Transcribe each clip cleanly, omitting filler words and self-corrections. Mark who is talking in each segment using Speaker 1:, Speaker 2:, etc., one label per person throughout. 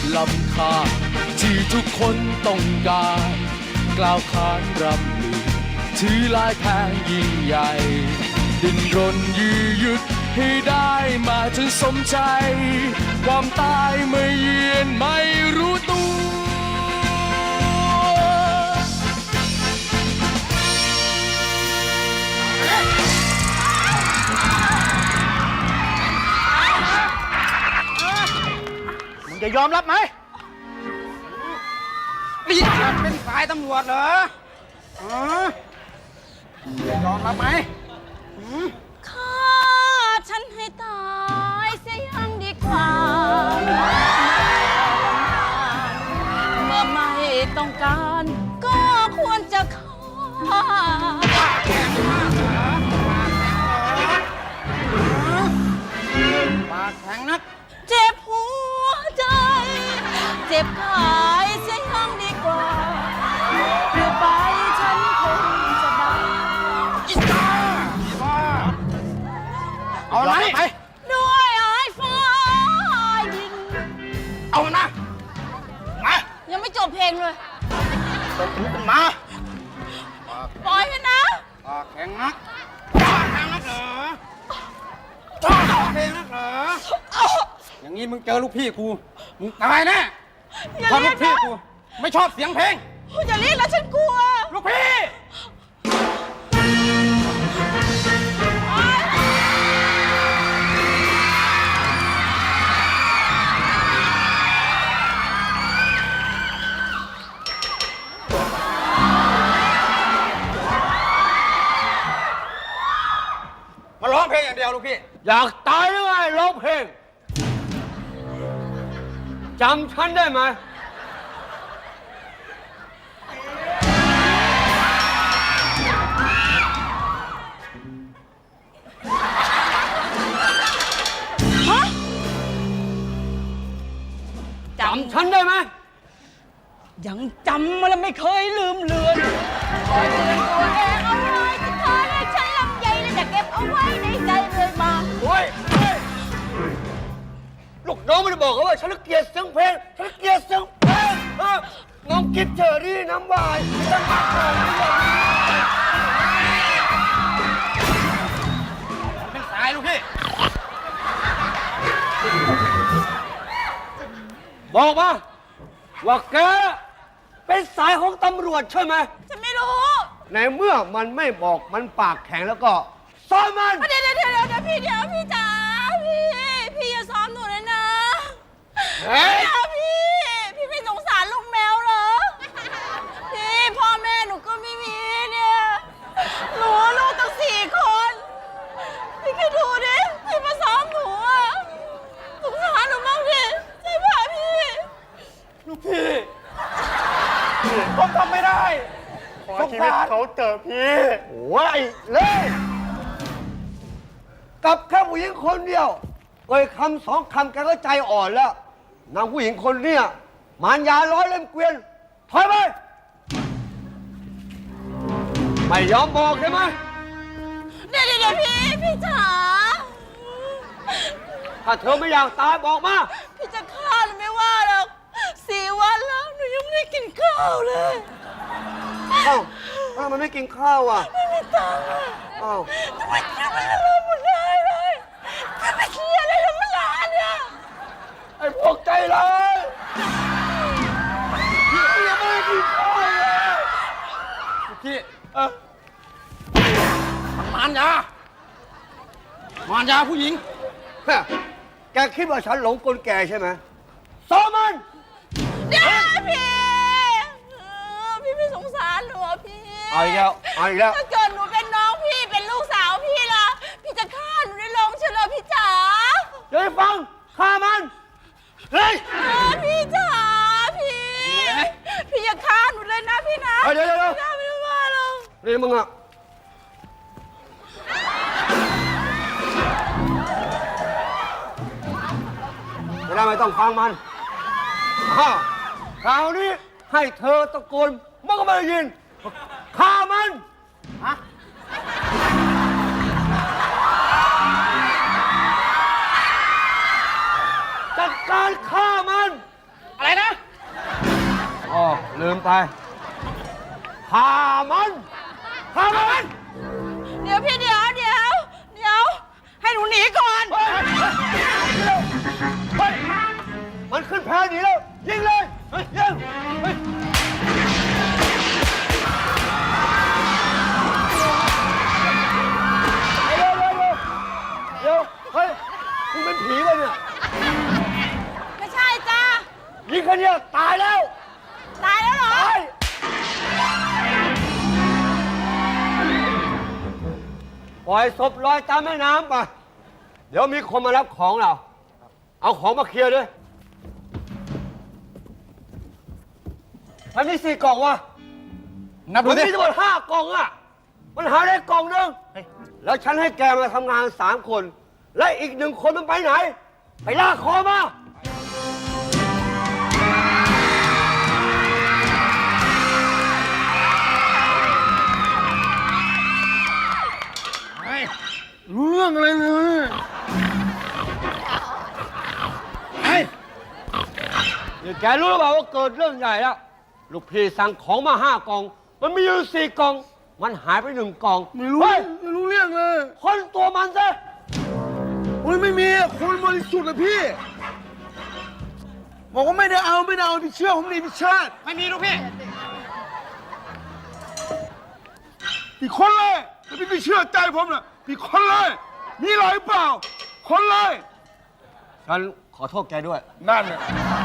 Speaker 1: ล้ำค่าที่ทุกคนต้องการกล่าวขานรำลือถือลายแพงยิ่งใหญ่ดิ้นรนยื้อยุดให้ได้มาจนสมใจความตายไม่เยือนไม่รู้ตัว
Speaker 2: มึงจะยอมรับไหมนี่เป็นสายตำรวจเหรอยอมรับไหม
Speaker 3: ฆ่าฉันให้ตายเสียยังดีกว่าเมื่อไม่ต้องการก็ควรจะฆ่า
Speaker 2: ปากแข็งนัก
Speaker 3: เจ็บหัวใจเจ็บกายเสียยังดีกว่าเพื่อไปฉันคงจะได้
Speaker 2: อีบ้าเอาไหนไป
Speaker 3: ด้วยไอ้ฟ้ายิง
Speaker 2: เอามันมา
Speaker 3: ยังไม่จบเพลงเลย
Speaker 2: มา
Speaker 3: ปล่อยให้นะ
Speaker 2: ปากแข็งนักปากแข็งนักเหรอปากแข็งนักเหรออย่างนี้มึงเจอลูกพี่กูมึงตายแน่เพราะลูกพี่กูไม่ชอบเสียงเพลง
Speaker 3: อย่าเรียกแล้วฉันกลัว
Speaker 2: ลูกพี่มาร้องเพลงอย่างเดียวลูกพี่
Speaker 4: อยากตายหรือไงร้องเพลงจำฉันได้ไหมจำฉันได้ไหม
Speaker 3: ยังจำมันไม่เคยลืมเลือนคอยเตือนตัวเองเอาไว้ที่เธอได้ใช้ลำใหญ่และจะเก็บเอาไว้ในใจเรื่อยมา
Speaker 4: โอ้ยลูกน้องไม่ได้บอกเขาว่าฉันเกลียดเสียงเพลงฉันเกลียดเสียงเพลงน้องกินเชอรี่น้ำวายฉันมาเกิด
Speaker 2: เป็นสายลูกพี่
Speaker 4: บอกมาว่าแกเป็นสายของตำรวจใช่ไหม
Speaker 3: ฉันไม่รู้
Speaker 4: ในเมื่อมันไม่บอกมันปากแข็งแล้วก็ซ้อมมัน
Speaker 3: เดี๋ยวพี่จ๋าพี่อย่าซ้อมหนูเลยนะพี่ไม่สงสารลูกแมวเหรอพี่พ่อแม่หนูก็ไม่มีเนี่ยหนูลูกตั้ง4 คนพี่แค่ดูดิพี่มาซ้อมหนูอะสงสารหนูบ้างดิใช่ป่ะพี่
Speaker 2: ลูกพี่ผมทำไม่ได้
Speaker 4: ขอชีวิตเขาเจอพี่โอ้ยเลยกับแค่ผู้หญิงคนเดียวเอ่ยคำ2 คำแกก็ใจอ่อนแล้วนางผู้หญิงคนเนี้ยมารยาร้อยเล่มเกวียนถอยไปไม่ยอมบอกใช่ไหม
Speaker 3: เดี๋ยวพี่จ๋า
Speaker 4: ถ้าเธอไม่อยากตายบอกมา
Speaker 3: พี่จะฆ่าหรือไม่ว่าหรอก4 วันแล้วหนูยังไม่ได้กินข้าวเลย
Speaker 4: อ้าวมันไม่กินข้าวอ่ะ
Speaker 3: ไม่มีตังค์อ่ะ
Speaker 4: อ้าว
Speaker 3: ทำไมกินไม่ได้หมดได้เลยจะไปเคลียร์อะไรทั้งร้านเนี่ย
Speaker 4: ไอ้พวกใจร้ายพี่ยังไม่ได้กินข้าวเลย
Speaker 2: พี่มารยาผู้หญิง
Speaker 4: แกคิดว่าฉันหลงกลแกใช่ไหมซ้อมมัน
Speaker 3: เดี๋ยวพี่ไม่สงสารหนูพี่
Speaker 4: เอาอีกแล้ว
Speaker 3: ถ้าเกิดหนูเป็นน้องพี่เป็นลูกสาวพี่ล่ะพี่จะฆ่าหนูได้ลงเฉลยพี่จ๋า
Speaker 4: เดี๋ยวฟังฆ่ามันเฮ้ย
Speaker 3: พี่จ๋าพี่อย่าฆ่าหนูเลยนะพี่นะ
Speaker 4: เดี๋ยว
Speaker 3: ไม่ได้ว่าหรอก
Speaker 4: นี่มึงอะไม่ต้องฟังมันคราวนี้ให้เธอตะโกนมันก็ไม่ได้ยินฆ่ามันจัดการฆ่ามัน
Speaker 2: อะไรอะไรนะ
Speaker 4: อ๋อลืมไปฆ่ามันฆ่ามัน
Speaker 3: เดี๋ยวพี่เดี๋ยวให้หนูหนีก่อน
Speaker 4: เฮ้ยมันขึ้นแพหนีแล้วยิงเลยเฮ้ยยิงเฮ้ยเดี๋ยวเฮ้ยคุณเป็นผีป่ะเนี่ย
Speaker 3: ไม่ใช่จ้า
Speaker 4: ยิงคนเดียวตายแล้ว
Speaker 3: ตายแล้วเหรอ
Speaker 4: ตายปล่อยศพลอยตามแม่น้ำไปเดี๋ยวมีคนมารับของเรา เอาของมาเคลียร์ด้วยมันมี4 กล่องวะ
Speaker 2: นับดู
Speaker 4: มัน
Speaker 2: ดิ
Speaker 4: มีทั้งหมด5 กล่องอะมันหาได้กล่องหนึงแล้วฉันให้แกมาทำงาน3 คน และอีก1 คนมันไปไหน ไปลากคอมา
Speaker 2: รู้เรื่องอะไรเลยไอ้
Speaker 4: นี่แกรู้หรือเปล่าว่าเกิดเรื่องใหญ่แล้ว ลูกพี่สั่งของมา5 กล่อง มันมีอยู่4 กล่อง มันหายไป1 กล่อง
Speaker 2: ไม่รู้
Speaker 4: เฮ้ย
Speaker 2: ไม่รู้เรื่องเลย
Speaker 4: คนตัวมันซะ
Speaker 2: โอ้ยไม่มีคนบริสุทธิ์เลยพี่ บอกว่าไม่ได้เอาพี่เชื่อผมดิพี่ชาติไม่มีลูกพี่พี่คนเลยแต่พี่ไม่เชื่อใจผมนะพี่คนเลย มีอะไรเปล่า คนเลย
Speaker 4: ฉันขอโทษแกด้วย
Speaker 2: นั่นน่ะ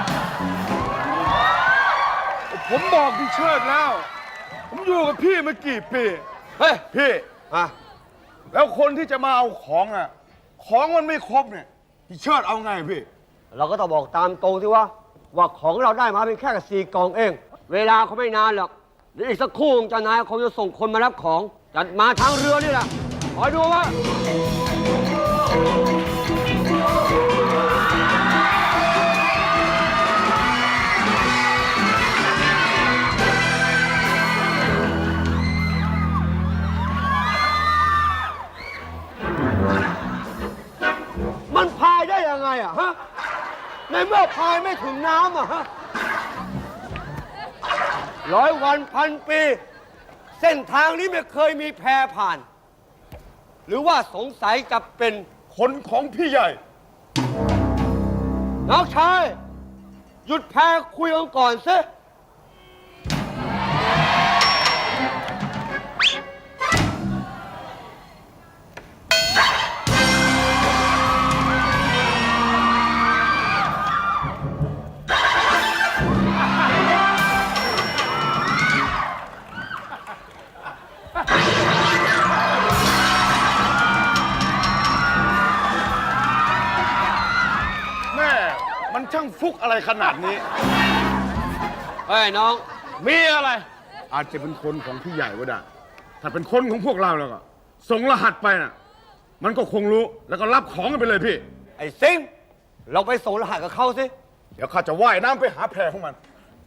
Speaker 2: ผมบอกพี่เชิดแล้ว ผมอยู่กับพี่มากี่ปี
Speaker 4: เฮ้ย
Speaker 2: พี่
Speaker 4: อ่ะ
Speaker 2: แล้วคนที่จะมาเอาของอ่ะ ของมันไม่ครบเนี่ย พี่เชิดเอาไงพี่
Speaker 4: เราก็ต้องบอกตามตรงที่ว่าของเราได้มาเป็นแค่4 กล่องเอง เวลาเขาไม่นานหรอกเดี๋ยวอีกสักครู่เจ้านายคงจะส่งคนมารับของจัดมาทางเรือนี่แหละคอยดูว่า มันพายได้ยังไงอะฮะ ในเมื่อพายไม่ถึงน้ำอะฮะ100 วันพันปี เส้นทางนี้ไม่เคยมีแพผ่าน หรือว่าสงสัยจะเป็น
Speaker 2: คนของพี่ใหญ่
Speaker 4: น้องชาย หยุดแพคุยกันก่อนสิ
Speaker 2: แม่มันช่างฟุกอะไรขนาดนี้
Speaker 4: เฮ้ยน้อง
Speaker 2: มีอะไร อาจจะเป็นคนของพี่ใหญ่ก็ได้ ถ้าเป็นคนของพวกเราแล้วก็ส่งรหัสไปน่ะ มันก็คงรู้แล้วก็รับของกันไปเลยพี่
Speaker 4: ไอ้ซิง เราไปส่งรหัสกับเขาสิ
Speaker 2: เดี๋ยวข้าจะว่ายน้ำไปหาแพรของมัน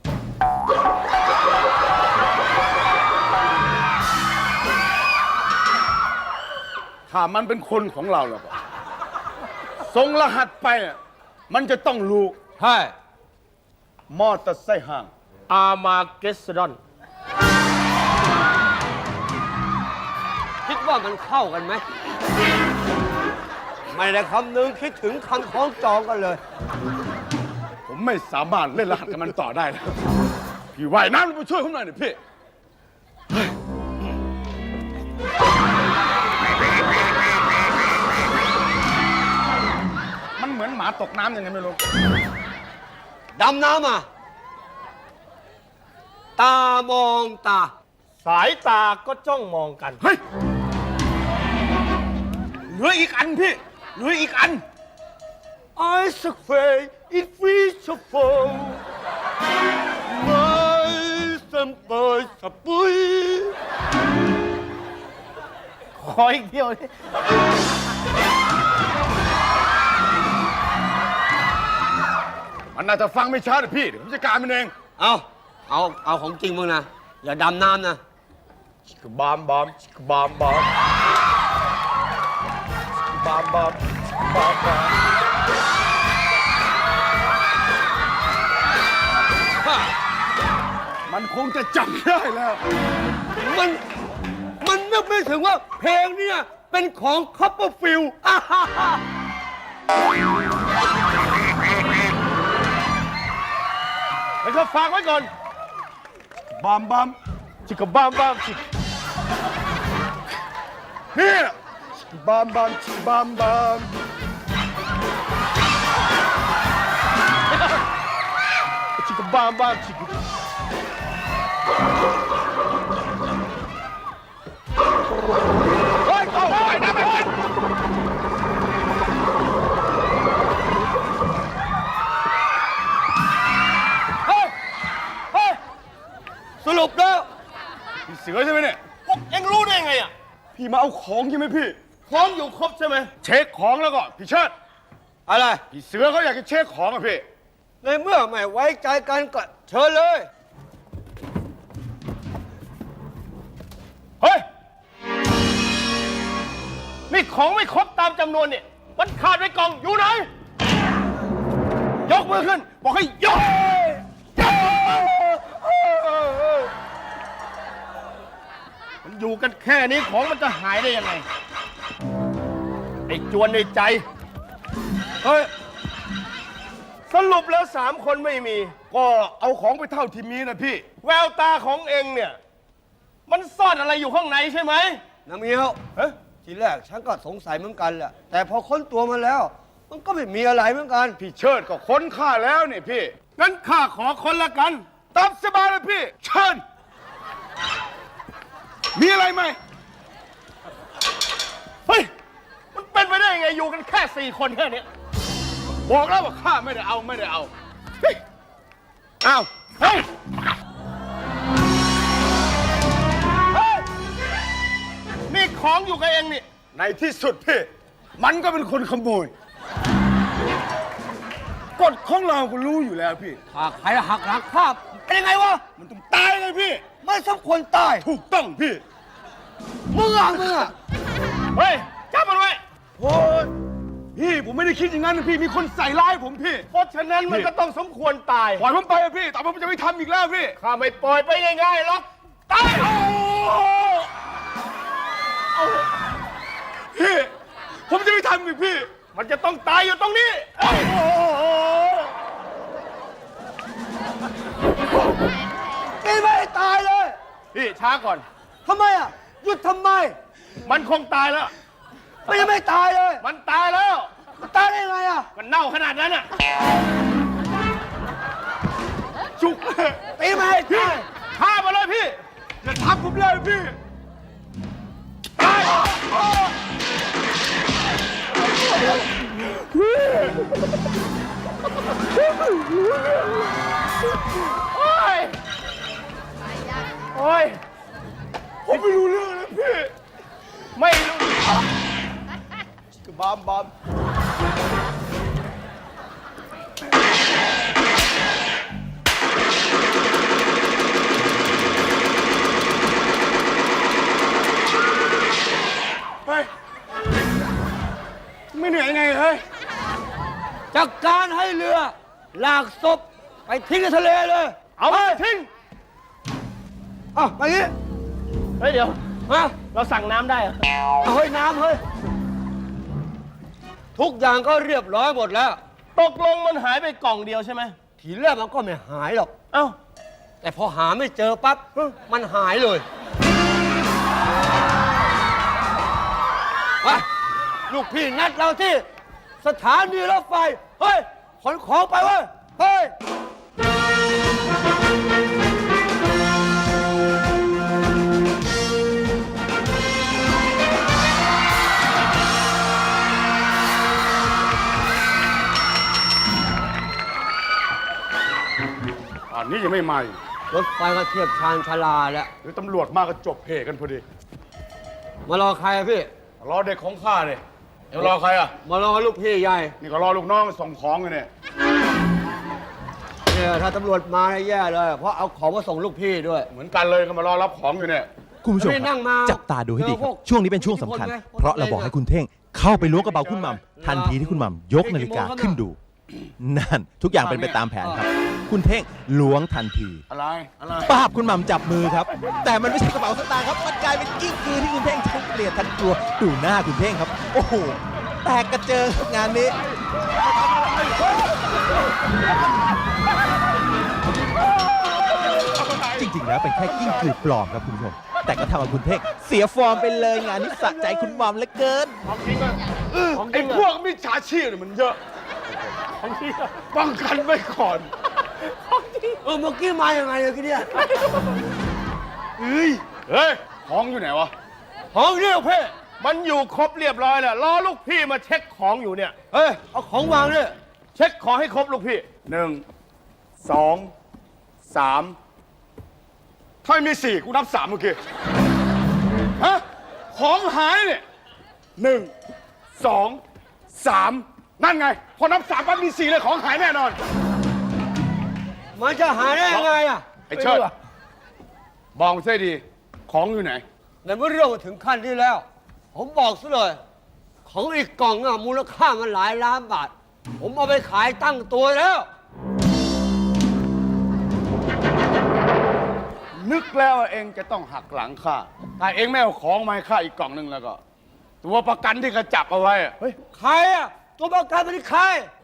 Speaker 2: ถ้ามันเป็นคนของเราแล้วก็ส่งรหัสไปอ่ะมันจะต้องรู้
Speaker 4: ใช่
Speaker 2: มอเตอร์ไซค์ห่าง
Speaker 5: อามาเกสดอน
Speaker 4: คิดว่ามันเข้ากันไหม ไม่ได้คำนึงคิดถึงคำคล้องจองกันเลย
Speaker 2: ผมไม่สามารถเล่นรหัสกับมันต่อได้แล้วพี่ว่ายน้ำลงไปช่วยผมหน่อยดิพี่ มันเหมือนหมาตกน้ำยังไงไม่รู้
Speaker 4: ดำน้ำอ่ะ ตามองตา
Speaker 5: สายตาก็จ้องมองกัน
Speaker 2: เฮ้ย เหลืออีกอันพี่ เหลืออีกอัน
Speaker 4: I swear it feels so full ไม่สัมปอยสปุย
Speaker 5: ขออีกเที่ยวดิ
Speaker 2: มันน่าจะฟังไม่ชัดอะพี่ เดี๋ยวผมจัดการมันเอง
Speaker 4: เอาของจริงมึงนะ อย่าดำน้ำนะ
Speaker 5: ชิคบามบามชิคบามบามชิคบามบามชิคบามบามมันคงจะจับได้แล้ว
Speaker 4: มันนึกไม่ถึงว่าเพลงเนี่ยเป็นของคัพเปอร์ฟิลด์
Speaker 5: แล้วก็ฝากไว้ก่อนบามบามชิกบามบามชิกเนี่ยบามบามชิบามบามชิกบามบามชิกเฮ้ยเอาไปนะไป
Speaker 4: สรุปแล้ว
Speaker 5: พี่เสือใช่ไหมเนี่ยพวกเอ็งรู้ได้ไงอ่ะพี่มาเอาของใช่ไหมพี่ของอยู่ครบใช่ไหมเช็คของแล้วก็พี่เชิด
Speaker 4: อะไร
Speaker 5: พี่เสือเขาอยากจะเช็คของอะพี่
Speaker 4: ในเมื่อไม่ไว้ใจกันก็เชิญเลย
Speaker 5: เฮ้ยนี่ของไม่ครบตามจำนวนเนี่ยมันขาดไว้กล่องอยู่ไหนยกมือขึ้นบอกให้ยกมันอยู่กันแค่นี้ของมันจะหายได้ยังไงไอ้จวนในใจเฮ้ยสรุปแล้ว3 คนไม่มีก็เอาของไปเท่าที่มีนะพี่แววตาของเองเนี่ยมันซ่อนอะไรอยู่ข้างในใช่ไหม
Speaker 4: น้ำเงี้ยว
Speaker 5: เฮ้ย
Speaker 4: ทีแรกฉันก็สงสัยเหมือนกันแหละ แต่พอค้นตัวมาแล้ว มันก็ไม่มีอะไรเหมือนกัน
Speaker 5: พี่เชิดก็ค้นข้าแล้วนี่พี่งั้นข้าขอค้นละกันตามสบายเลยพี่เชิญมีอะไรไหมเฮ้ยมันเป็นไปได้ยังไงอยู่กันแค่4 คนแค่นี้บอกแล้วว่าข้าไม่ได้เอาไม่ได้เอาเฮ้ยอ้าวเฮ้ยเฮ้ยนี่ของอยู่กับเองนี่ในที่สุดพี่มันก็เป็นคนขโมยกฎของเราก็รู้อยู่แล้วพี่
Speaker 4: หากใครหักหลังภาพเป็นยังไงวะ
Speaker 5: มันต้องตายเลยพี่
Speaker 4: ไม่สมควรตาย
Speaker 5: ถูกต้องพี่
Speaker 4: มึงอ่ะมึงอ่ะ
Speaker 5: เฮ้ยจับมันไว้โอ้ยพี่ผมไม่ได้คิดอย่างนั้นนะพี่มีคนใส่ร้ายผมพี่เพราะฉะนั้นมันก็ต้องสมควรตายปล่อยผมไปอะพี่แต่ผมจะไม่ทำอีกแล้วพี่ข้าไม่ปล่อยไปง่ายๆหรอกตายพี่ผมจะไม่ทำอีกพี่มันจะต้องตายอยู่ตรงนี้
Speaker 4: นี่ไม่ได้ตายเลย
Speaker 5: พี่ช้าก่อน
Speaker 4: ทำไมอ่ะ หยุดทำไม
Speaker 5: มันคงตายแล้ว
Speaker 4: ไม่ยังไม่ตายเลย
Speaker 5: มันตายแล้ว
Speaker 4: ตายได้ยังไงอ่ะ
Speaker 5: มันเน่าขนาดนั้นอ่ะจุกเลย
Speaker 4: ตีไม่ให้
Speaker 5: พี่
Speaker 4: ตาย
Speaker 5: ฆ่ามาเลยพี่อย่าทับผมเลยพี่ตายโอ้ยโอ้ยผมไม่รู้เรื่องนะพี่ไม่รู้บอมบอมเฮ้ยไม่เหนื่อยไงเฮ้ย
Speaker 4: จัดการให้เรือลากศพไปทิ้งในทะเลเลย
Speaker 5: เอาไปทิ้ง
Speaker 4: อ่ะไปงี้
Speaker 5: เฮ้ยเดี๋ยว
Speaker 4: มา
Speaker 5: เราสั่งน้ำได้เหรอ
Speaker 4: เอาเฮ้ยน้ำเฮ้ย ทุกอย่างก็เรียบร้อยหมดแล้ว
Speaker 5: ตกลงมันหายไปกล่องเดียวใช่ไหม
Speaker 4: ทีแรกมันก็ไม่หายหรอก
Speaker 5: เอ้า
Speaker 4: แต่พอหาไม่เจอปั๊บมันหายเลยไปลูกพี่นัดเราที่สถานีรถไฟ เฮ้ย ขนของไปเว้ย เฮ้ย
Speaker 5: อันนี้ยังไม่มาอีก
Speaker 4: รถไฟก็เทียบชานชาลาแล้ว
Speaker 5: หรือตำรวจมาก็จบเพกันพอดี
Speaker 4: มารอใครอะพี่
Speaker 5: รอเด็กของข้าเลยเดี๋ยวรอใครอ่ะ
Speaker 4: มารอลูกพี่ใหญ่
Speaker 5: นี่ก็รอลูกน้องส่งของอยู่เนี่ย
Speaker 4: เนี่ยถ้าตำรวจมาเนี่ยแย่เลย เพราะเอาของมาส่งลูกพี่ด้วย
Speaker 5: เหมือนกันเลยก็มารอรับของอยู่เนี่ย
Speaker 6: คุณผู้ชม
Speaker 4: ไม่
Speaker 6: ค
Speaker 4: นั่
Speaker 6: รับ
Speaker 4: งมา
Speaker 6: จับตาดูให้ดีค
Speaker 4: เจอพ
Speaker 6: รั
Speaker 4: ว
Speaker 6: บ
Speaker 4: ก
Speaker 6: ช่วงนี้เป็นช่วงสำคัญ
Speaker 4: อิทธิพลไง
Speaker 6: เพราะเราบอกให้คุณเท่งเข้าไปล้วงกระเป๋าคุณหม่ำทันทีที่คุณหม่ำยกนาฬิกาขึ้นดู นั่นทุกอย่างเป็นไปตามแผนครับคุณเท่งล้วงทันที
Speaker 5: อะไร อะไร
Speaker 6: ป้าบคุณหม่ำจับมือครับ แต่มันไม่ใช่กระเป๋าสตางค์ครับ มันกลายเป็นกิ้งกือที่คุณเท่งทั้งเกลียดทั้งกลัวดูหน้าคุณเท่งครับ โอ้โห แตกกระเจิงครับงานนี้ จริงๆ แล้วเป็นแค่กิ้งกือปลอมครับคุณผู้ชม แต่ก็ทำเอาคุณเท่งเสียฟอร์มไปเลยงานนี้สะใจคุณหม่ำเหลือเกิน
Speaker 5: ไอ้พวกมิจฉาชีพเนี่ยมันเยอะป้องกันไว้ก่อน
Speaker 4: เมื่อกี้มายังไงเลยเนี่ย
Speaker 5: เฮ้ย ของอยู่ไหนวะ
Speaker 4: ของเนี่ยเพ่
Speaker 5: มันอยู่ครบเรียบร้อยแล้วรอลูกพี่มาเช็คของอยู่เนี่ย
Speaker 4: เฮ้ย เอาของวางเนี่ย
Speaker 5: เช็คของให้ครบลูกพี่ 1 2 3 ถ้าไม่มี4กูนับ3เมื่อกี้ฮะของหายเนี่ย1 2 3 นั่นไง พอนับ3ปั๊บมี4เลยของหายแน่นอน
Speaker 4: มันจะหายได้ยังไงอ่ะ
Speaker 5: ไอ้เชิดบอกมาซะดี ของอยู่ไหน
Speaker 4: ในเมื่อเรื่องมาถึงขั้นนี้แล้ว ผมบอกซะเลย ของอีกกล่องอะมูลค่ามันหลายล้านบาท ผมเอาไปขายตั้งตัวแล้ว
Speaker 5: นึกแล้วว่าเองจะต้องหักหลังข้าถ้าเองไม่เอาของมาให้ข้าอีกกล่องหนึงแล้วก็ ตัวประกันที่เขาจับเอาไว้อะเฮ้ย
Speaker 4: ใครอ่ะ ตัวประกันเป็นใคร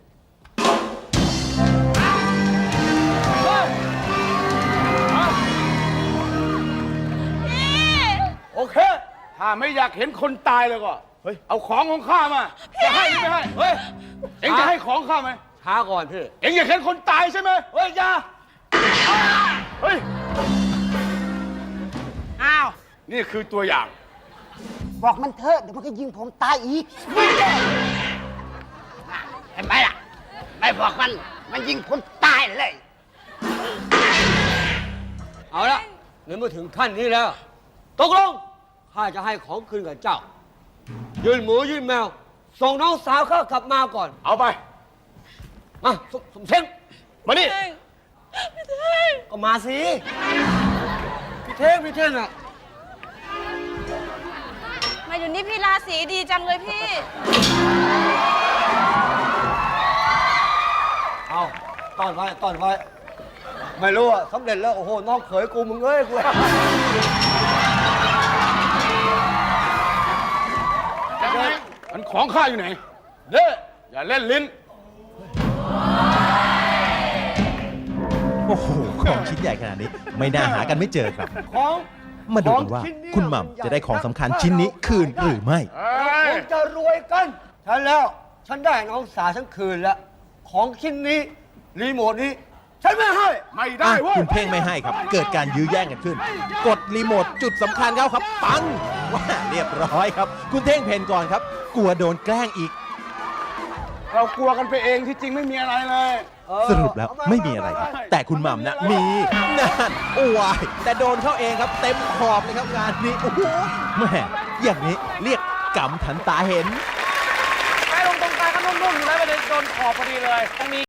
Speaker 5: โอเค ถ้าไม่อยากเห็นคนตายเลยก็ เฮ้ย เอาของของข้ามา จะให้หรือไม่ให้ เฮ้ย เอ็งจะให้ของข้าไหม
Speaker 4: ช้าก่อนพี่
Speaker 5: เอ็งอยากเห็นคนตายใช่ไหม
Speaker 4: เฮ้ยอย่า
Speaker 5: เฮ้ย
Speaker 3: อ้าว
Speaker 5: นี่คือตัวอย่าง
Speaker 7: บอกมันเถอะเดี๋ยวมันก็ยิงผมตายอีก เห็นไหมล่ะ ไม่บอกมันยิงผมตายเลย
Speaker 4: เอาละในเมื่อถึงขั้นนี้แล้ว ตกลง ข้าจะให้ของคืนกับเจ้า ยืนหมูยืนแมว ส่งน้องสาวข้ากลับมาก่อน
Speaker 5: เอาไป
Speaker 4: มาสมเช้ง
Speaker 5: มานี่
Speaker 4: ก็มาสิ พี่เท่งอ่ะ
Speaker 3: มาอยู่นี่พี่ราศีดีจังเลยพี่
Speaker 4: เอาต้อนไว้ ไม่รู้อ่ะสำเร็จแล้ว โอ้โห น้องเขยกูมึงเอ้ยกู
Speaker 5: ยังไงมันของข้าอยู่ไหน
Speaker 4: เด้
Speaker 5: อย่าเล่นลิ้น
Speaker 6: โอ้โห ของชิ้นใหญ่ขนาดนี้ ไม่น่าหากันไม่เจอครับ
Speaker 4: ของ
Speaker 6: มาดูกันว่าคุณหม่ำจะได้ของสำคัญชิ้นนี้คืนหรือไม่
Speaker 4: คงจะรวยกันฉันแล้ว ฉันได้น้องสาวฉันคืนแล้ว ของชิ้นนี้ รีโมทนี้ ฉันไม่ให้
Speaker 5: ไม่ได้เว้ย
Speaker 6: คุณเพ่งไม่ให้ครับ เกิดการยื้อแย่งกันขึ้น กดรีโมทจุดสำคัญเขาครับ ปังว่าเรียบร้อยครับ คุณเท่งเพนก่อนครับ กลัวโดนแกล้งอีก
Speaker 5: เรากลัวกันไปเองที่จริงไม่มีอะไรเลย
Speaker 6: สรุปแล้วไม่มีอะไรครับ แต่คุณหม่ำนะมีนั่นโอ้ยแต่โดนเข้าเองครับ เต็มขอบเลยครับงานนี้โอ้โหแม่อย่างนี้เรียกกำทันตาเห็น
Speaker 2: ไปลงตรงกลางก็นุ่มๆอยู่แล้วไปโดนขอบพอดีเลยตรงนี้